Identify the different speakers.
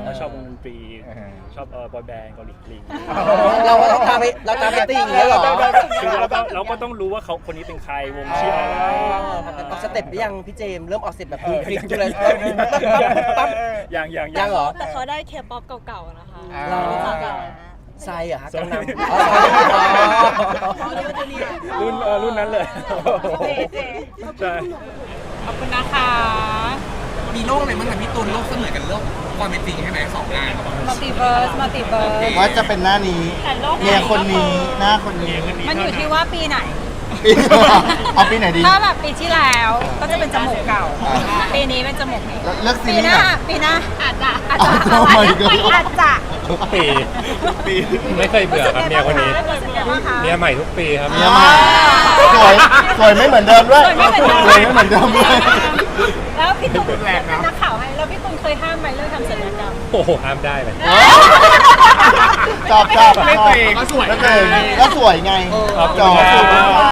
Speaker 1: ว่าชอบวงดนตรีชอบบอยแบนด์เกาหลีกลิง
Speaker 2: เราต้องตามไปติ่งอย่างเงี้ยเหรอ
Speaker 1: คือเราก็ต้องรู้ว่าเขาคนนี้เป็นใครวงชื่ออะไร
Speaker 2: ออกสเต็ปหรือยังพี่เจมส์เริ่มออกสเต็ปแบบคลิกเลยปั๊บ
Speaker 1: ยัง
Speaker 2: เหรอ
Speaker 3: แต่เขาได้เคป๊อปเก่าๆนะคะ
Speaker 2: ไซเหรอฮะกังนำ
Speaker 1: รุ่นนั้นเลยใช่
Speaker 3: ขอบคุณนะคะ
Speaker 4: มีโลกอะไรบ้างคะพี่ตูนโลกเสมือนกันโลกความเป็นจริงใช่ไหม2 งาน
Speaker 3: มัลติเวิร์ส
Speaker 5: ว่าจะเป็นหน้านี้เมียคนนี้หน้าคนนี้
Speaker 3: มันอยู่ที่ว่าปีไหน
Speaker 5: เอาปีไหนดี
Speaker 3: ถ้าแบบปีที่แล้วก็จะเป็นจมูกเก่า ปีนี้เป็นจมูกใหม่
Speaker 5: เลือกซี
Speaker 3: ปี
Speaker 5: รี
Speaker 3: ห
Speaker 5: ส์
Speaker 3: น้า
Speaker 5: ไหน
Speaker 3: ปีหน้าอาจจะ
Speaker 5: อาจจะ
Speaker 6: ทุกปีไม่เคยเบื่อครับเมียคนนี้เมียใหม่ทุกปีครับ
Speaker 5: เมียใหม่สวยไม่เหมือนเดิมด้วยสวยไม่เหมือนเดิมด้วย
Speaker 3: แล้วพี่ตุ้มเป็นนักข่าวให้แล้วพี่ตุ้มเคยห้ามไหมเรื่องทำศัลยกรรม
Speaker 6: โอ้โหห้ามได้เลย
Speaker 5: ชอบก็สวยไงจอบ